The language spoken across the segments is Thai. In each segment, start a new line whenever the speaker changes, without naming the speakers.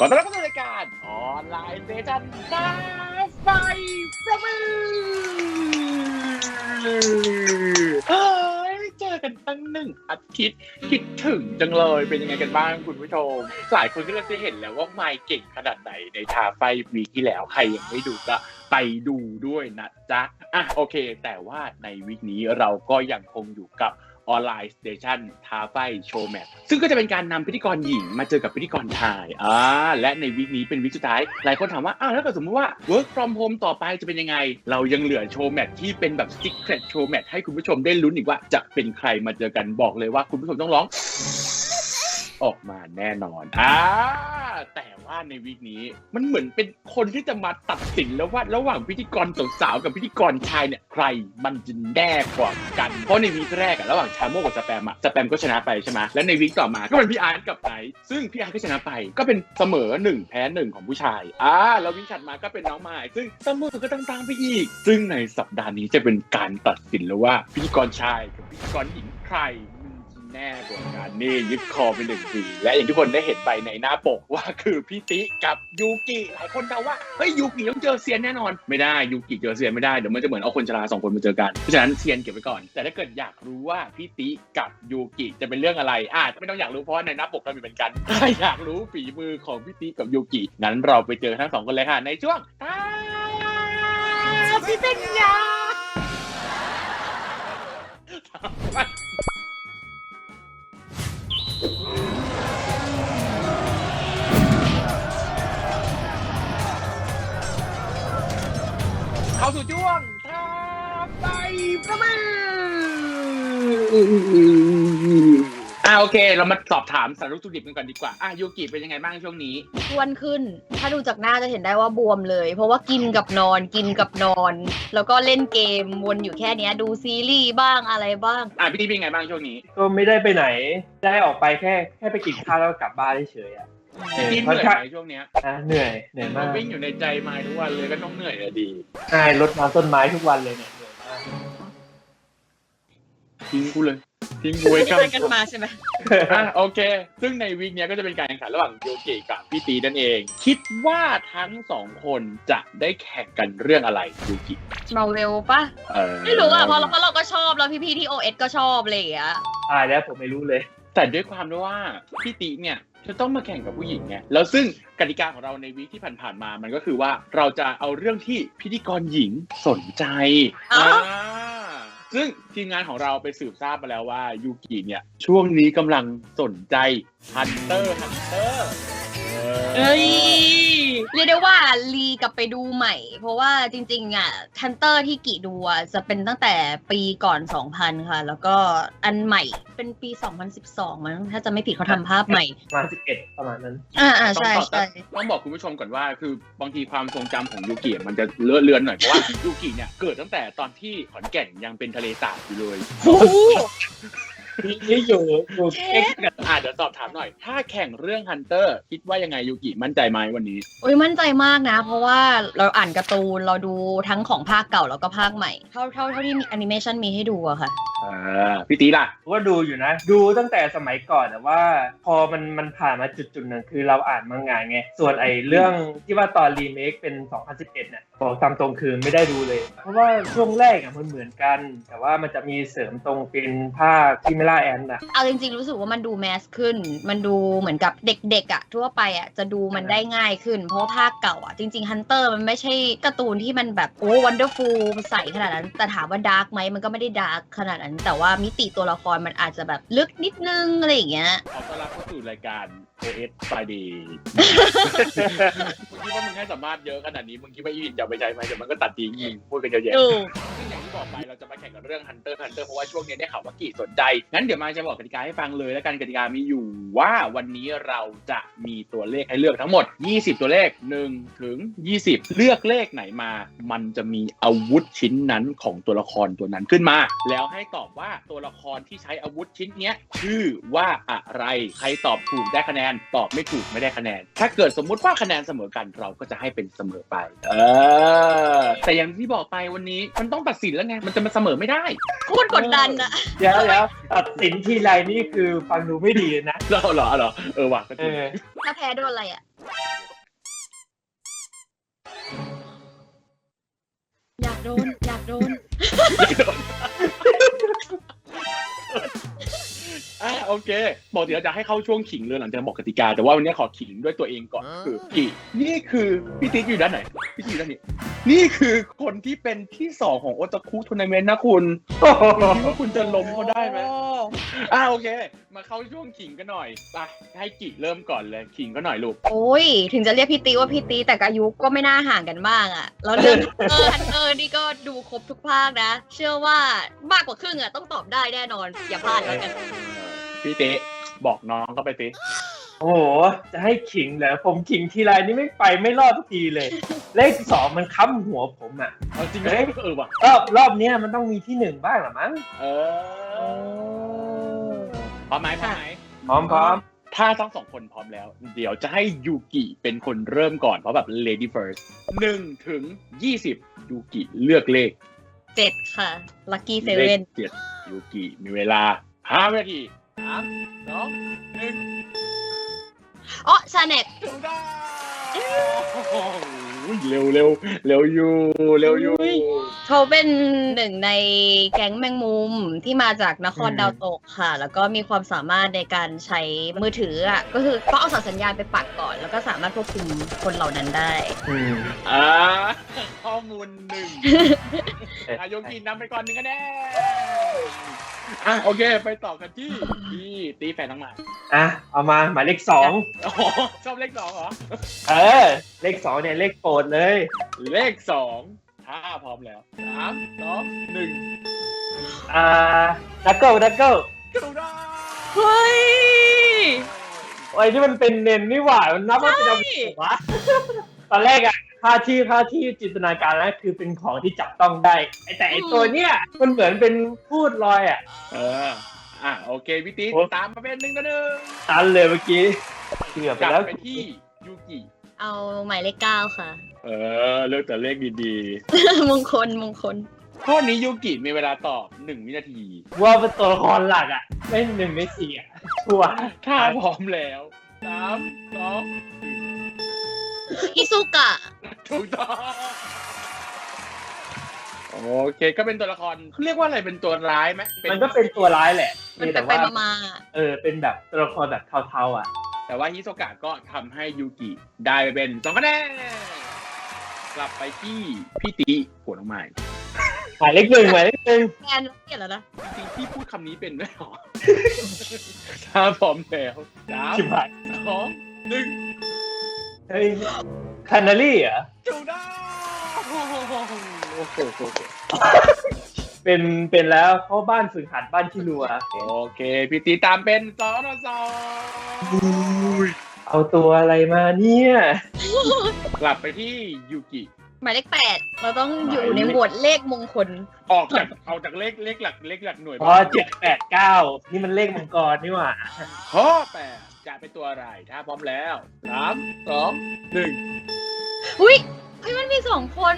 ขอต้อนรับเข้าสู่รายการออนไลน์เซสชั่นฟ้าไฟประมือเจอกันตั้ง1 อาทิตย์คิดถึงจังเลยเป็นยังไงกันบ้างคุณผู้ชมหลายคนก็จะเห็นแล้วว่าไมค์เก่งขนาดไหนในทาไฟวีคที่แล้วใครยังไม่ดูก็ไปดูด้วยนะจ๊ะโอเคแต่ว่าในวีคนี้เราก็ยังคงอยู่กับออนไลน์สเตชันท้าไฟโชว์แมทซึ่งก็จะเป็นการนำพิธีกรหญิงมาเจอกับพิธีกรชายและในวีคนี้เป็นวีคสุดท้ายหลายคนถามว่าถ้าเกิดสมมติว่า work from home ต่อไปจะเป็นยังไงเรายังเหลือโชว์แมทที่เป็นแบบ secret โชว์แมทให้คุณผู้ชมได้ลุ้นอีกว่าจะเป็นใครมาเจอกันบอกเลยว่าคุณผู้ชมต้องร้องออกมาแน่นอนแต่ว่าในวีคนี้มันเหมือนเป็นคนที่จะมาตัดสินแล้วว่าระหว่างพิธีกรสาวๆกับพิธีกรชายเนี่ยใครมันจะแน่กว่ากันเพราะในวีคแรกระหว่างชาโมกับสแปมก็ชนะไปใช่ไหมแล้วในวีคต่อมาก็เป็นพี่อาร์ตกับไนท์ซึ่งพี่อาร์ตก็ชนะไปก็เป็นเสมอ1แพ้1ของผู้ชายแล้ววีคถัดมาก็เป็นน้องไม้ซึ่งเสมอก็ตามไปอีกซึ่งในสัปดาห์นี้จะเป็นการตัดสินแล้วว่าพิธีกรชายกับพิธีกรหญิงใครแน่กว่ากันนี่ยึดคอเป็น1 ทีและอย่างที่คนได้เห็นไปในหน้าปกว่าคือพี่ติกับยูกิหลายคนเดาว่าเฮ้ยยูกิต้องเจอเซียนแน่นอนไม่ได้ยูกิเจอเซียนไม่ได้เดี๋ยวมันจะเหมือนเอาคนชรา2 คนมาเจอกันเพราะฉะนั้นเซียนเก็บไว้ก่อนแต่ถ้าเกิดอยากรู้ว่าพี่ติกับยูกิจะเป็นเรื่องอะไรไม่ต้องอยากรู้เพราะในหน้าปกเรามีเหมือนกันถ้าอยากรู้ฝีมือของพี่ติกับยูกิงั้นเราไปเจอทั้ง2 คนเลยค่ะในช่วงพี่เป็นยาเข้าสู่ช่วงท้าไฟประมือโอเคเรามาสอบถามสารุสุดิบกันก่อนดีกว่ายูกิเป็นยังไงบ้างช่วงนี้
อ้วนขึ้นถ้าดูจากหน้าจะเห็นได้ว่าบวมเลยเพราะว่ากินกับนอนแล้วก็เล่นเกมวนอยู่แค่นี้ดูซีรีส์บ้างอะไรบ้าง
พี่นี่เป็นยังไงบ้างช่วงนี้
ก็ไม่ได้ไปไหนได้ออกไปแค่ไปกินข้าวแล้วกลับบ้านเฉย
เหนื่อยไหมช่วงนี้
เหนื่อยมาก
วิ่งอยู่ในใจไม้ทุกวันเลยก็ต้องเหนื่อยดี
ใช่รดน้ำต้นไม้ทุกวันเลยเนี่ยเหนื่อยมาก
ทิ้งกูเลยทิ้งกูไว้
กันมาใช่ไหม
โอเคซึ่งในวีคนี้ก็จะเป็นการแข่งขันระหว่างยูกิกับพี่ตีนั่นเองคิดว่าทั้ง2 คนจะได้แข่งกันเรื่องอะไรยูกิ
มาเวลปะไม่รู้เพราะเราก็ชอบแล้วพี่ๆที่ OS ก็ชอบเลย
แล้วผมไม่รู้เลย
แต่ด้วยความที่ว่าพี่ตีเนี่ยจะต้องมาแข่งกับผู้หญิงไงแล้วซึ่งกติกาของเราในวีคที่ผ่านๆมามันก็คือว่าเราจะเอาเรื่องที่พิธีกรหญิงสนใจซึ่งทีมงานของเราไปสืบทราบมาแล้วว่ายูกิเนี่ยช่วงนี้กำลังสนใจฮันเตอร์
เรียกได้ว่ารีกลับไปดูใหม่เพราะว่าจริงๆฮันเตอร์ที่กิดูจะเป็นตั้งแต่ปีก่อน 2000 ค่ะแล้วก็อันใหม่เป็นปี 2012 มั้งถ้าจะไม่ผิดเขาทำภาพใหม่
ประมาณ11ประมาณนั้น
ใช่
ต้องบอกคุณผู้ชมก่อนว่าคือบางทีความทรงจำของยูกิมันจะเลอะเลือนหน่อยเพราะว่ายูกิเนี่ยเกิดตั้งแต่ตอนที่ขอนแก่นยังเป็นทะเลสาบอยู่เลย
นี่อยู่
เดี๋ยวสอบถามหน่อยถ้าแข่งเรื่องฮันเตอร์คิดว่ายังไงยูกิมั่นใจไหมวันนี้
มั่นใจมากนะเพราะว่าเราอ่านการ์ตูนเราดูทั้งของภาคเก่าแล้วก็ภาคใหม่เท่าที่มีแอนิเมชันมีให้ดูอะค่ะ
พี่ตีล่ะ
ก็ดูอยู่นะดูตั้งแต่สมัยก่อนแต่ว่าพอมันผ่านมาจุดหนึ่งคือเราอ่านมังงะไงส่วนเรื่องที่ว่าตอนรีเมคเป็น 2011เนี่ยบอกตามตรงคือไม่ได้ดูเลยเพราะว่าช่วงแรกมันเหมือนกันแต่ว่ามันจะมีเสริมตรงเป็นภาคที่ไม่ล่าแอน
เอาจริงๆรู้สึกว่ามันดูแมสขึ้นมันดูเหมือนกับเด็กๆทั่วไปจะดูมันได้ง่ายขึ้นเพราะภาคเก่าจริงๆฮันเตอร์มันไม่ใช่การ์ตูนที่มันแบบวันเดอร์ฟูลใสขนาดนั้นแต่ถามว่าดาร์กไหมมันก็ไม่ได้ดาร์กขนาดนั้นแต่ว่ามิติตัวละครมันอาจจะแบบลึกนิดนึงอะไรอย่างเงี้ย
ขอต้อนรับเข้าสู่รายการ OS Friday มึงคิดว่ามึงให้สัมภาษณ์เยอะขนาดนี้มึงคิดว่าอีวินจะไปใช้ไหมเดี๋ยวมันก็ตัดทิ้งพูดกันเยอะแยะซึ่งอย่างที่บอกไปเราจะมาแข่งกันเรื่อง Hunter เพราะว่าช่วงนี้ได้ข่าวว่ากี่สนใจงั้นเดี๋ยวมาจะบอกกติกาให้ฟังเลยแล้วกันกติกามีอยู่ว่าวันนี้เราจะมีตัวเลขให้เลือกทั้งหมด20ตัวเลข1 ถึง 20เลือกเลขไหนมามันจะมีอาวุธชิ้นนั้นของตัวละครตัวนั้นขึ้นมาแล้วให้ตอบว่าตัวละครที่ใช้อาวุธชิ้นนี้ชื่อว่าอะไรใครตอบถูกได้คะแนนตอบไม่ถูกไม่ได้คะแนนถ้าเกิดสมมุติว่าคะแนนเสมอกันเราก็จะให้เป็นเสมอไปแต่อย่างที่บอกไปวันนี้มันต้องตัดสินแล้วไงมันจะมาเสมอไม่ได้
โคตรกดดัน
เดี๋ยวตัดสินทีไรนี่คือฟังดูไม่ดีนะ
เหรอว่ะ
ถ้าแพ้โดนอะไรอยากโดน อยากโดน
โอเคบอกเดี๋ยวจะให้เข้าช่วงขิงเลยหลังจากบอกกติกาแต่ว่าวันนี้ขอขิงด้วยตัวเองก่อนคือกี่นี่คือพี่ติ๊กอยู่ด้านไหนพี่ติ๊กอยู่ด้านนี้นี่คือคนที่เป็นที่2ของโอตาคุทัวร์นาเมนต์นะคุณคิดว่าคุณจะล้มเขาได้ไหมโอเคมาเข้าช่วงขิงกันหน่อยไปให้กี่เริ่มก่อนเลยขิงก็หน่อยลูก
โอ้ย ถึงจะเรียกพี่ตีว่าพี่ตีแต่อายุก็ไม่น่าห่างกันมากอ่ะ แล้วเรื่องฮันเตอร์นี่ก็ดูครบทุกภาคนะ เชื่อว่ามากกว่าครึ่งอ่ะต้องตอบได้แน่นอน อย่าพลาดแล้วกัน
พี่เต๊บอกน้องเข้าไปติ
โอ้โหจะให้ขิงเหรอผมขิงทีไรนี่ไม่ไปไม่รอดทุกทีเลย เลข2มันค้ำหัวผมอ่ะ
เอาจริงไหมว่ะ
รอบเนี้ยมันต้องมีที่1บ้างหรอมั้ง
พร้อมไหมพร้อมไหม
พร้อม
ถ้าทั้ง2คนพร้อมแล้ว เดี๋ยวจะให้ยูกิเป็นคนเริ่มก่อนเพราะแบบ lady first 1 ถึง 20ยูกิเลือกเลข
7 ค่ะ ลัคกี้เซ
เล
เว่
ข
น
7ยูกิมีเวลา5 วินาที3 2 1
อ๋อชาเน็ต
ถูกต้องเร็วอยู่
เขาเป็นหนึ่งในแก๊งแมงมุมที่มาจากนครดาวตกค่ะ แล้วก็มีความสามารถในการใช้มือถืออ่ะ ก็คือต้องเอาสารสัญญาณไปปักก่อน แล้วก็สามารถควบคุมคนเหล่านั้นได้
ข้อมูล1ยูกินำไปก่อน1คะแนนโอเคไปต่อกันที่พี่ตีแฟนทั้งหลาย
เอามาหมายเลข2
ชอบเลข2เหรอ
เลข2เนี่ยเลขโปรดเลย
เลข2ถ้าพร้อมแล้ว3 2 1
ดักเกิล
ถูกต้อง
เฮ้ย
ไอ้ที่มันเป็นเนนนี่หว่ามันนับว่าเป็นอะไรวะ ตอนแรกอะค่าที่จินตนาการแล้วคือเป็นของที่จับต้องได้แต่ไอตัวเนี้ยมันเหมือนเป็นพูดลอยอะ
โอเคพี่ติ๊กตามมาเป็น1-1
ตันเลยเมื่อกี้เกือบไป
กลับ
แล้ว
ไปที่ยูกิ
เอาหมายเลข 9 ค่ะ
เลือกแต่เลขดี
มงคล
ข้อนี้ยูกิมีเวลาตอบ1 วินาที
ว่าเป็นตัวละครหลักอะไม่1ไม่4อะชัวร์
ถ้าพร้อมแล้ว3 2
อิซุกะ
ถูกต้องโอเคก็เป็นตัวละครเขาเรียกว่าอะไรเป็นตัวร้ายไหม
มันก็เป็นตัวร้ายแหละ
มัน
แต่
ไป
ว่า
มา
เป็นแบบตัวละครแบบเทาๆอ่ะ
แต่ว่าฮิโซกะก็ทำให้ยูกิได้ไปเป็น2 คะแนนกลับไปที่พี่ติหัวน้องใหม่
หมายเลข 1
แฟนเกลียดแล้วนะ
จริงๆพี่พูดคำนี้เป็นไหมหรอ ถ้าพร้อมแล้ว
ชิบหาย
3 2 1
เฮ้ยคานาลี่เหรอ
ถูกต้องโอ้โห
เป็นแล้วเพราะบ้านฝึกหัดบ้านที่รัว
โอเคพี่ตีตามเป็น2-2
เอาตัวอะไรมาเนี่ย
กลับไปที่ยูกิ
หมายเลข 8 เราต้องอยู่ในหมวดเลขมงคล
เอาจากเลขหลักหน่วย
7 8 9นี่มันเลขมังกรนี่หว่า
ข้อ8จะเป็นตัวอะไรถ้าพร้อมแล้ว3 2 1
อุ้ยมันมี2 คน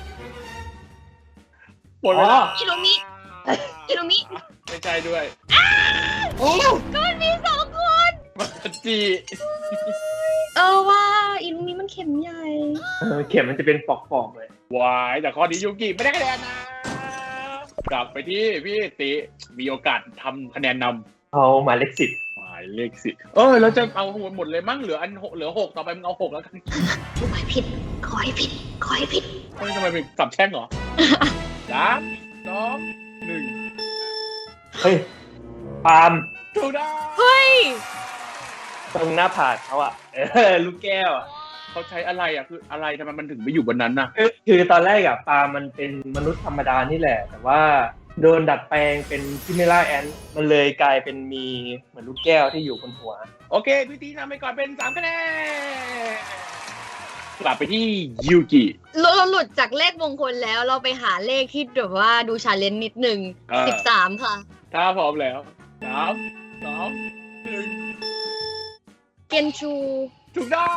หมดเวลา
อิโรมิ
ไม่ใช่ด้วย
ก็มันมี2 คน
มาจิ
ว่าอิโรมิมันเข็มใหญ่
เข็มมันจะเป็นปอกๆเลยว
ายแต่ข้อนี้ยูกิไม่ได้คะแนนนะกลับไปที่พี่ติมีโอกาสทำคะแนนนำ
เอาหมายเลข 10
หมายเลข10เราจะเอาหมดเลยมั้งเหลือ6ต่อไปมึงเอา6แล้วกัน
ขอให้ผิด
เฮ้ยทำไมเป็นสับแช่งเหรอ 3 2 1
เฮ้ยปาล์ม
ถูกต้อง
เฮ้ย
ตรงหน้าผากเขาอะลูกแก้วอะ
เขาใช้อะไรคืออะไรทำไมมันถึงไปอยู่บนนั้นน่ะ
คือตอนแรกอะปาล์มมันเป็นมนุษย์ธรรมดานี่แหละ แต่ว่าโดนดัดแปลงเป็นคิเมล่าแอนมันเลยกลายเป็นมีเหมือนลูกแก้วที่อยู่บนหัว
โอเคพี่ตีนำไปก่อนเป็น3 คะแนนกลับไปที่ยูกิ
เราหลุดจากเลขมงคลแล้วเราไปหาเลขที่แบบว่าดูชาเลนจ์นิดนึง 13 ค่ะ
ถ้าพร้อมแล้ว3 2 1
เกนชู
ถูกต้อง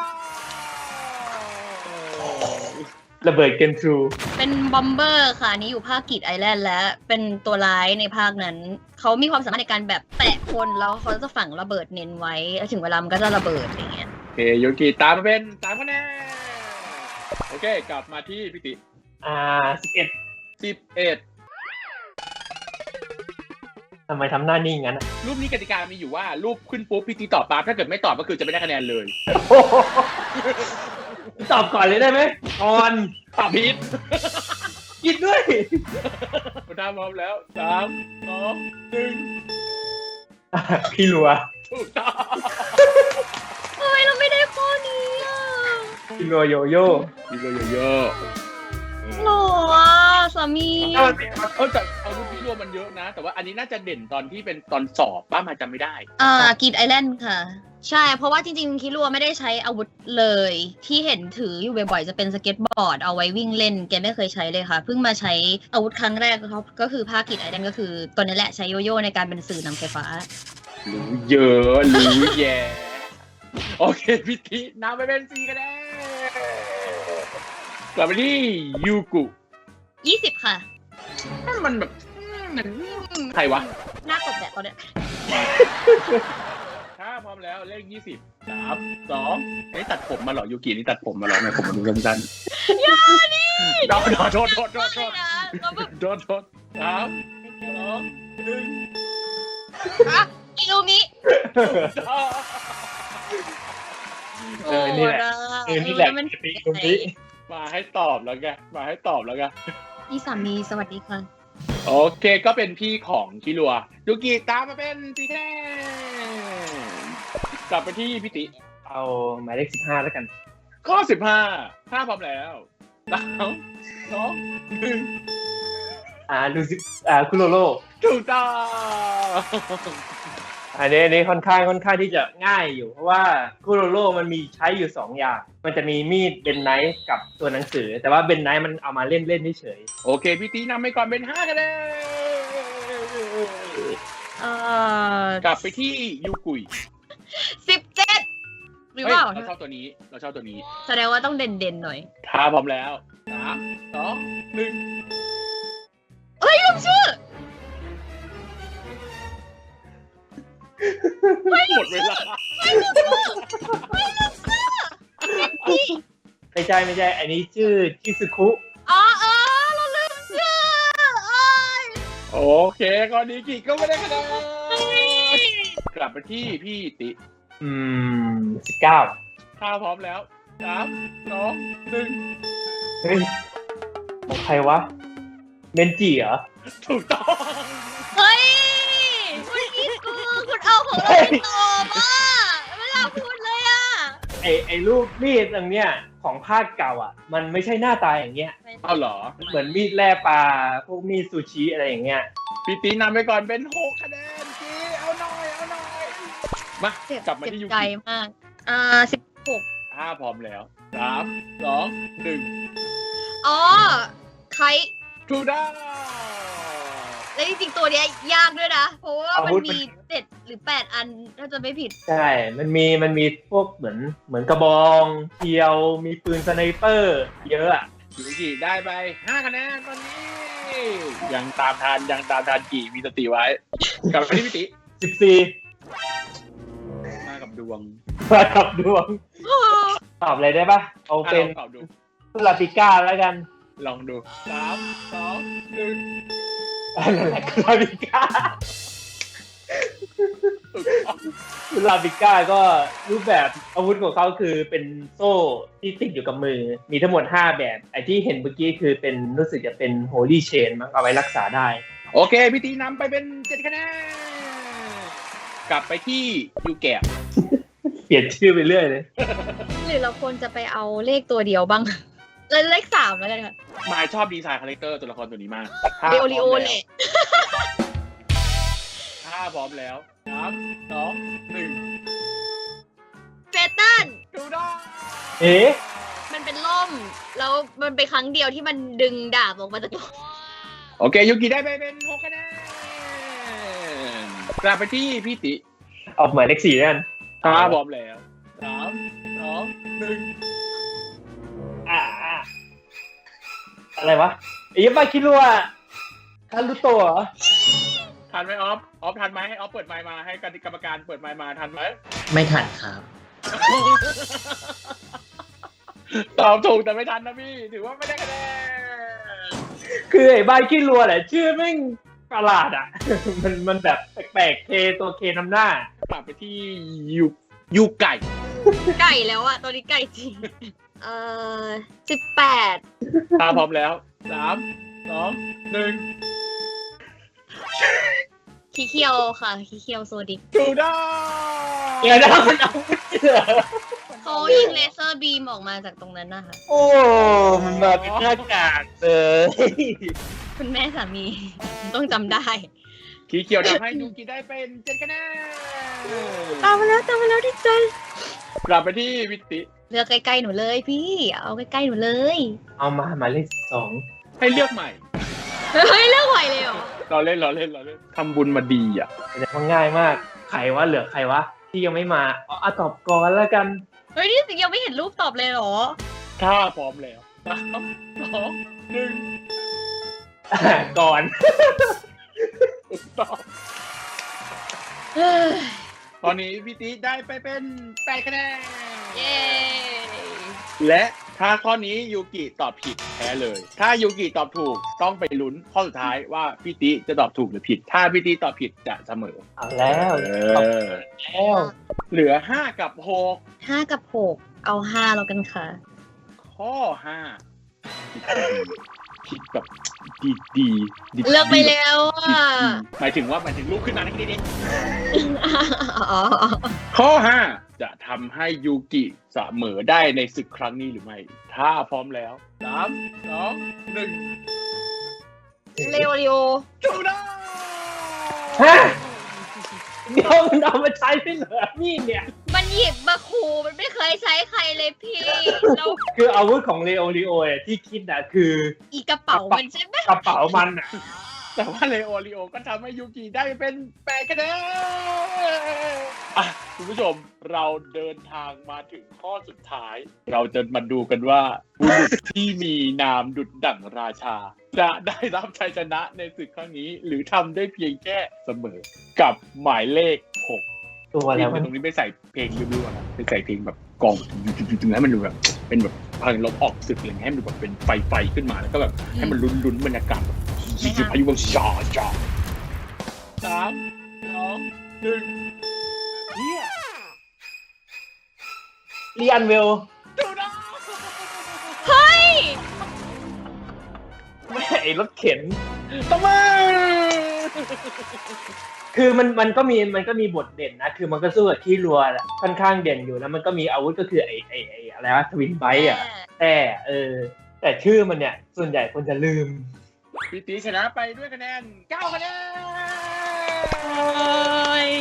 ระเบิดเกนทรู
เป็นบอมเบอร์ค่ะอันนี้อยู่ภาคกิจไอแลนด์และเป็นตัวร้ายในภาคนั้น เขามีความสามารถในการแบบแตะคนแล้วเขาจะฝังระเบิดเน้นไว้แล้วถึงเวลามันก็จะระเบิดอย่างเงี้ย
เคยูกิตามมาเป็น3 คะแนนโอเคกลับมาที่พี่ติ
11
11
ทำไมทำหน้านิ่งงั้น
รูปนี้กติกามีอยู่ว่ารูปขึ้นปุ๊บพี่ติตอบปั๊บถ้าเกิดไม่ตอบก็คือจะไม่ได้คะแนนเลย
โอ้โหตอบก่อนเลยได้ไหมก่อน
ตอบผิด
กินด้วย
คุณทำพร้อมแล้ว3 2 1
พี่รัว
ถูกต้อง
ทำไมเราไม่ได้ข้อนี้อ่ะ
พี่รัวโยโย่
มีเยอะ
หรออ่ะสามี
แต่อาวุธพี่รวมมันเยอะนะ แต่ว่าอันนี้น่าจะเด่นตอนที่เป็นตอนสอบป้ามาจำไม่ได้
กรีดไอแลนด์ค่ะ ใช่เพราะว่าจริงๆคิรัวไม่ได้ใช้อาวุธเลยที่เห็นถืออยู่บ่อยๆจะเป็นสเก็ตบอร์ดเอาไว้วิ่งเล่นแกไม่เคยใช้เลยค่ะเพิ่งมาใช้อาวุธครั้งแรกก็คือผ้ากรีดไอแลนด์ก็คือตัวนี้แหละใช้โยโย่ในการเป็นสื่อนำไฟฟ้า
รู้เยอะรู้แย่โอเคพี่ตินำไปเป็น4 คะแนนกลับไปที่ยูกุ
20 ค่ะ
มันแบบใครวะ
หน้ากบแบบตอนเนี้ย
ถ้าพร้อมแล้วเลข20 3 2นี่ตัดผมมาเหรอยูกินี่ตัดผมมาเหรอไงผมมันดูสั้นๆอย่าดิโทษ3 2 1
อิลูมิ
นี่แหละนี่แหละ
มัน
ปีตรงนี้
มาให้ตอบแล้วไงมาให้ตอบแล้วไง
พี่สามีสวัสดีค่ะ
โอเคก็เป็นพี่ของคิรัวยูกิตามมาเป็น4 คะแนนกลับไปที่พี่ติ
เอาหมายเลข15แล้วกัน
ข้อ15ถ้าพร้อมแล้ว3 2 1
ดูสิคุโรโร่
ถูกต้อง
อันนี้ค่อนข้างที่จะง่ายอยู่ เพราะว่าคุโรโร่มันมีใช้อยู่2 อย่าง มันจะมีมีดเบนไนท์กับตัวหนังสือ แต่ว่าเบนไนท์มันเอามาเล่นเฉย
โอเคพี่ตีนำไปก่อนเป็น5 คะแนนกลับไปที่ยูกุย
17หรือเปล่า
เราชอบตัวนี้เราชอบตัวนี้
แสดงว่าต้องเด่นๆหน่อย
ถ้าพร้อมแล้ว3 2 1
เฮ้ยลืมชื่อ
หมดเวลา
ๆไม่ใช่ อันนี้ชื่อชิซึคุ
อ๋อเราลืมชื่อโอ้ย
โอเคข้อนี้กิก็ไม่ได้คะแนนกลับไปที่พี่ติ
19
ถ้าพร้อมแล้ว3 2 1
เฮ้ยของใครวะเมนจิเหรอ
ถูกต้อง
เฮ้ยคุณอีกคุณเอาของเราไปตอบอ่ะไม่น่าพูดเลยอ่ะ
ไอ้รูปมีดตรงเนี้ยของภาคเก่าอ่ะ มันไม่ใช่หน้าตาอย่างเงี้ย
เอาเหรอ
เหมือนมีดแล่ปลาพวกมีดซูชิอะไรอย่างเงี้ย
พี่ตีนำไปก่อนเป็น6 คะแนนจีเอาหน่อยมากลับมาที่ยู
เจ็บใจ
กิ
มาก16
ถ้าพร้อมแล้ว3 2 1
อ๋อใคร
ถูกต้อง
แล้วจริงๆตัวเนี้ยยากด้วยนะ เพราะว่ามันมี7 หรือ 8 อันถ้าจะไม่ผิด
ใช่ มันมีพวกเหมือนกระบองเทียว มีปืนสไนเปอร์เยอะอะ
ยูกิได้ไป5 คะแนนตอนนี้ยังตามทันกี่มีสติไว้กลับมาที่พี่ติ
14
มากับดวง
มากับดวง ตอบอะไรได้ปะเอาเป็น
ตอบดู
ลาติก้าแล้วกัน
ลองดู3 2 1
นั่นแหละลาติก้า
ถูกต้อง
ลาติก้าก็รูปแบบอาวุธของเขาคือเป็นโซ่ที่ติดอยู่กับมือ มีทั้งหมด5 แบบไอ้ที่เห็นเมื่อกี้คือเป็นรู้สึกจะเป็น Holy Chain มั้งเอาไว้รักษาได้
โอเคพี่ตีนำไปเป็น7 คะแนนกลับไปที่ยูแกะ
เปลี่ยนชื่อไปเรื่อยเลย
หรือเราควรจะไปเอาเลขตัวเดียวบ้าง เลข3แล้วกันค่ะ
มายชอบดีไซน์คาแรคเตอร์ตัวละครตัวนี้มาก
เดโอริโอแหละ
ถ้าพร้อมแล้ว3 2
เฟตัน
1ถูกต้อง
เอ๊ะ
มันเป็นล่ม แล้วมันเป็นครั้งเดียวที่มันดึงดาบออกมาจากตัว
โอเคยูกิได้ไปเป็น6 คะแนนกลับไปที่พี่ติ
ออกหมายเลข 4แล้วกัน
ถ้าพร้อมแล้ว3 2
อะไรวะไอ้ยับาคิรัวคารุโตะเหรอ
1ทันไหมออฟทันไหมให้ออฟเปิดไมค์มาให้กรรมการเปิดไมค์มาทันไหม
ไม่ทันครับ
ตอบถูกแต่ไม่ทันนะพี่ถือว่าไม่ได้คะแนน
คือไอ้บ้านขี้รัวแหละชื่อแม่งประหลาดอ่ะ มันแบบแปลกๆเคตัวเคนำหน้า
กลับไปที่ยูไก่
ไก่แล้วอะตัวนี้ไก่จริง18
ถ้าพร้อมแล้ว3 2 1
ขี้เคียวค่ะขี้เคียวโซดิก
ถูกต้อง
เดี๋ยวนะมันเอาไม่เหรอ
เขายิงเลเซอร์บีมออกมาจากตรงนั้นนะคะ
โอ้มันมาเป็นหน้ากากเลย
คุณแม่สามีต้องจำได้
ขีเขียวทำให้ยูกิได้เป็น7คะแนน
ตามมาแล้วดิใจ
กลับไปที่วิติ
เลือกใกล้ๆหนูเลยพี่ เอาใกล้ๆหนูเลย
เอามาหมายเลข2
ให้เลือกใหม่
เฮ้ยเลือกไหวเลยเหรอ
เราเล่นทำบุญมาดีอ่ะ
แต่มันง่ายมากใครวะเหลือใครวะที่ยังไม่มาเอาตอบก่อนแล้วกัน
เฮ้ยนี่ยังไม่เห็นรูปตอบเลยเหรอ
ถ้าพร้อมแล้ว3 2 1
ก่อน
ถูกต้องตอนนี้พี่ติได้ไปเป็น8คะแนน
เย้
และถ้าข้อนี้ยูกิตอบผิดแพ้เลย ถ้ายูกิตอบถูกต้องไปลุ้นข้อสุดท้ายว่าพี่ติจะตอบถูกหรือผิด ถ้าพี่ติตอบผิดจะเสมอ
เอาแล้วแล้ว
เหลือ5 กับ
5 กับ 6 เอา 5 แล้วกันค่ะ
6 ข้อ5ผิดแบบดี
เลือกไปแล้วอ่ะ
หมายถึงลูกขึ้นมาในที่นี้
อ๋อ
ข้อ 5 จะทำให้ยูกิเสมอได้ในศึกครั้งนี้หรือไม่ ถ้าพร้อมแล้ว3 2 1
เลโอริโอ
ถูกต้อง
ฮะเดี๋ยวมันเอามาใช้ไม่เหลือนี่เนี่ย
มันหยิบมาขู่มันไม่เคยใช้ใครเลยพี่แล้ว
คืออาวุธของเลโอริโอที่คิดนะคือ
อีกระเป๋ามันใช่ไหม
กระเป๋ามันอ่ะ
แต่ว่าเลโอริโอก็ทำให้ยูกิได้เป็น8คะแนนอ่ะคุณผู้ชมเราเดินทางมาถึงข้อสุดท้าย เราจะมาดูกันว่าบุรุษที่มีนามดุจดั่งราชา จะได้รับชัยชนะในศึกครั้งนี้ หรือทำได้เพียงแค่เสมอ กับหมายเลข 6
ตัวแล้ว
ตรงนี้ไปใส่เพลงริ้วๆนะไปใส่เพลงแบบกองจึงให้มันดูแบบเป็นแบบพลังลบออกศึกอะไรเงี้ยให้มันดูแบบเป็นไฟขึ้นมาแล้วก็แบบให้มันลุ้นบรรยากาศแบบพายุแบบจ่อ3 2 1เฮีย
เรียนเวล
ดูนะ
เฮ้ย
แม่ไอ้รถเข็น
ทำไม
คือมันก็มีบทเด่นนะ คือมันก็สู้กับขี้รัวแหละค่อนข้างเด่นอยู่แล้วมันก็มีอาวุธก็คือไอ้อะไรวะทวินไบต์อ่ะแต่ชื่อมันเนี่ยส่วนใหญ่คนจะลืม
พี่ตีชนะไปด้วยคะแนน9คะแนน
โอ้ย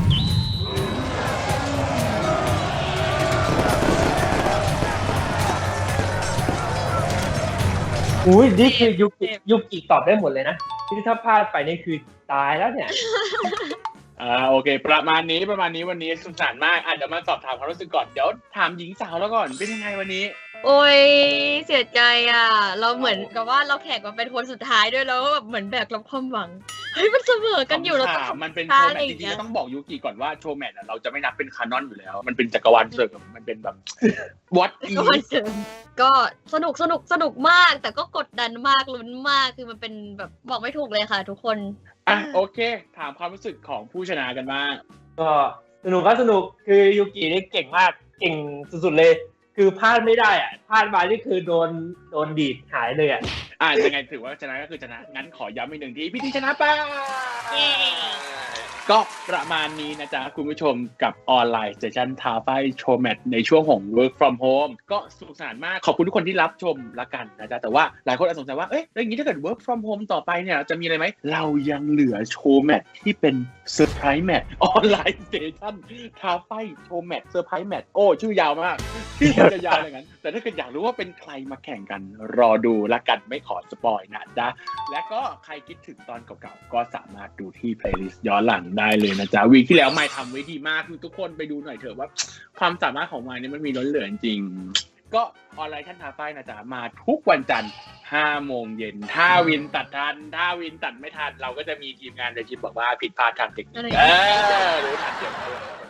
อุ้ยนี่คือยุกิตอบได้หมดเลยนะที่ถ้าพลาดไปนี่คือตายแล้วเนี่ย
โอเคประมาณนี้วันนี้สนุกสนานมากเดี๋ยวมาสอบถามความรู้สึกก่อนเดี๋ยวถามหญิงสาวแล้วก่อนเป็นยังไงวันนี้
โอ้ยเสียใจอ่ะ เราเหมือนกับว่าเราแข่งมาเป็นคนสุดท้ายด้วยแล้วแบบเหมือนแบกรับความหวังเฮ้ยมันเสมอกันอยู่แล้ว
มันเป็นโชว์แมทจริงๆต้องบอกยูกิก่อนว่าโชว์แมทเราจะไม่นับเป็นคานอนอยู่แล้ว มันเป็นจักรวาลเสริมมันเป็นแบบวัดอี
ก็สนุกมาก แต่ก็กดดันมากลุ้นมากคือมันเป็นแบบบอกไม่ถูกเลยค่ะ ทุกคน
โอเค ถามความรู้สึกของผู้ชนะกันบ้าง
ก็สนุกคือยูกินี่เก่งมากเก่งสุดๆเลย คือพลาดไม่ได้อ่ะพลาดมานี่คือโดนดีดหายเลยอ่ะ
ยังไงถือว่าชนะก็คือชนะ งั้นขอย้ำอีกหนึ่งทีพี่ที่ชนะไป
เย้
ก็ประมาณนี้นะจ๊ะคุณผู้ชมกับออนไลน์เซสชั่นทาไฟโชว์แมทในช่วงของ work from home ก็สนุกสนานมากขอบคุณทุกคนที่รับชมละกันนะจ๊ะแต่ว่าหลายคนอาจสงสัยว่าเอ๊ะแล้วอย่างนี้ถ้าเกิด work from home ต่อไปเนี่ยจะมีอะไรไหมเรายังเหลือโชว์แมทที่เป็นเซอร์ไพรส์แมทออนไลน์เซสชั่นทาไฟโชว์แมทเซอร์ไพรส์แมทโอ้ชื่อยาวมากที่เราจะยาวอย่างนั้นแต่ถ้าเกิดอยากรู้ว่าเป็นใครมาแข่งกันรอดูละกันไม่ขอสปอยนะจ๊ะและก็ใครคิดถึงตอนเก่าๆก็สามารถดูที่เพลย์ลิสต์ย้อนหลังได้เลยนะจ๊ะวีคที่แล้วไมค์ทำไว้ดีมากคือทุกคนไปดูหน่อยเถอะว่าความสามารถของไมค์เนี่ยมันมีล้นเหลือจริงก็ออนไลน์ท่านทาไฟนะจ๊ะมาทุกวันจันทร์5 โมงเย็นถ้าวินตัดทันถ้าวินตัดไม่ทันเราก็จะมีทีมงานในทีมบอกว่าผิดพลาดทางเทคนิครู้ทันเดี๋ยวแล้ว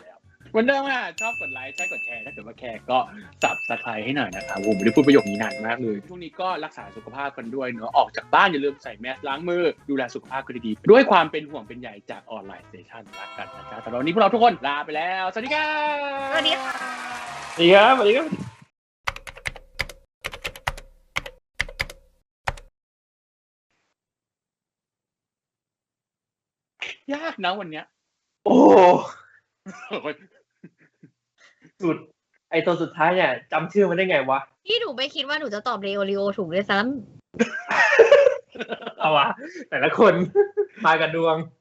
วันเดิมอ่ะชอบกดไลค์ใช่กดแชร์ถ้าเกิดว่าแคร์ก็Subscribeให้หน่อยนะครับผมไม่ได้พูดประโยคนี้นานมากเลยช่วงนี้ก็รักษาสุขภาพกันด้วยเนอะออกจากบ้านอย่าลืมใส่แมสล้างมือดูแลสุขภาพกันดีๆด้วยความเป็นห่วงเป็นใยจากออนไลน์สเตชันรักกันนะจ๊ะแต่วันนี้พวกเราทุกคนลาไปแล้วสวัสดีครับ
สวัสดีค่ะ
สวัสดีครับสวัสดีครับ
ยากนะวันเนี้ย
โอ้สุดไอตัวสุดท้ายเนี่ยจำชื่อมันได้ไงวะ
พี่หนูไม่คิดว่าหนูจะตอบเรโอริโอถูกด้วยซ้
เอาวะแต่ละคนมากันดวง